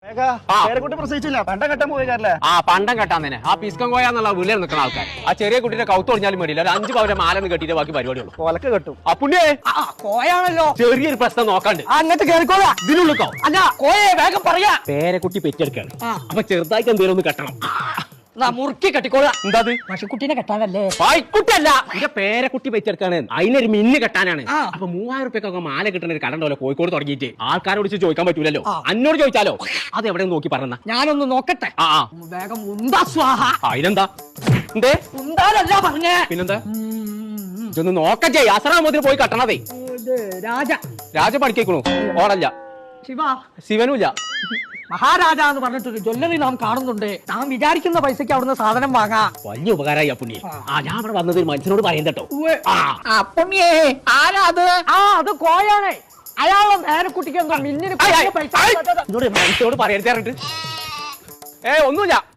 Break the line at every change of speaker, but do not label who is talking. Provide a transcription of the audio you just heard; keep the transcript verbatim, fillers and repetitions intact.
പ്രസവിച്ചില്ല പണ്ടം കെട്ടാൻ പോയല്ലേ?
ആ പണ്ടം കെട്ടാൻ തന്നെ ആ പിസ്കം കോയാന്നുള്ള വീട്ടിൽ നിൽക്കുന്ന ആൾക്കാർ ആ ചെറിയ കുട്ടിയുടെ കൗത്ത് ഒടിഞ്ഞാലും വേണ്ടിയില്ല ഒരു അഞ്ച് പവരെ മാലെന്ന് കെട്ടിയിട്ട് ബാക്കി പരിപാടിയുള്ളൂ.
കൊലക്ക് കെട്ടും.
ആ പുണ്യേ
കോയാണല്ലോ.
ചെറിയൊരു പ്രശ്നം നോക്കാണ്ട്
അങ്ങോട്ട് കേൾക്കോളാ.
ഇതിനുള്ളിക്കോ
അല്ല കോയെ വേഗം പറയാ.
പേരക്കുട്ടി പെറ്റെടുക്കാണ്. അപ്പൊ ചെറുതായിട്ട് എന്തെങ്കിലും ഒന്ന് കെട്ടണം.
മുറുക്കി കെട്ടിക്കോളാ.
എന്താ
പശുക്കുട്ടീനെ കെട്ടാനല്ലേ?
പായ്ക്കുട്ടല്ല, എന്റെ പേരക്കുട്ടി പെറ്റെടുക്കാണ്. അതിനൊരു മിന്ന് കെട്ടാനാണ്. അപ്പൊ മൂവായിരം റുപ്യൊക്കെ മാല കിട്ടുന്ന ഒരു കട ഉണ്ടല്ലോ കോഴിക്കോട് തുടങ്ങിയിട്ട്. ആൾക്കാരോട് ചോദിക്കാൻ പറ്റൂലല്ലോ. അന്നോട് ചോദിച്ചാലോ? അത് എവിടെ നോക്കി പറഞ്ഞ
ഞാനൊന്ന് നോക്കട്ടെ.
ആ
വേഗം ഉണ്ടാ സ്വാഹ.
അതിനെന്താ എന്തേ
ഉണ്ടാലല്ല പറഞ്ഞേ.
പിന്നെന്താ? ഇതൊന്ന് നോക്കട്ടെ. അസറാമോദിന് പോയി കെട്ടണതേ.
രാജ
രാജ പഠിക്കണു ഓടല്ല.
ശിവ
ശിവനുമില്ല.
മഹാരാജ എന്ന് പറഞ്ഞിട്ടൊരു ജ്വല്ലറി നാം കാണുന്നുണ്ട്. നാം വിചാരിക്കുന്ന പൈസക്ക് അവിടുന്ന് സാധനം വാങ്ങാം.
വലിയ ഉപകാരമായി ആ പുണ്യ. ആ ഞാൻ അവിടെ വന്നത് ഒരു മനുഷ്യനോട് പറയാൻ കേട്ടോ.
പുണ്യേ ആരാ അത്? ആ അത് കോയാണ്. അയാളുടെ നേരക്കുട്ടിക്ക് എന്താ മിന്നിന് പൈസ
മനുഷ്യനോട് പറയരുത്. ഏ ഒന്നുമില്ല.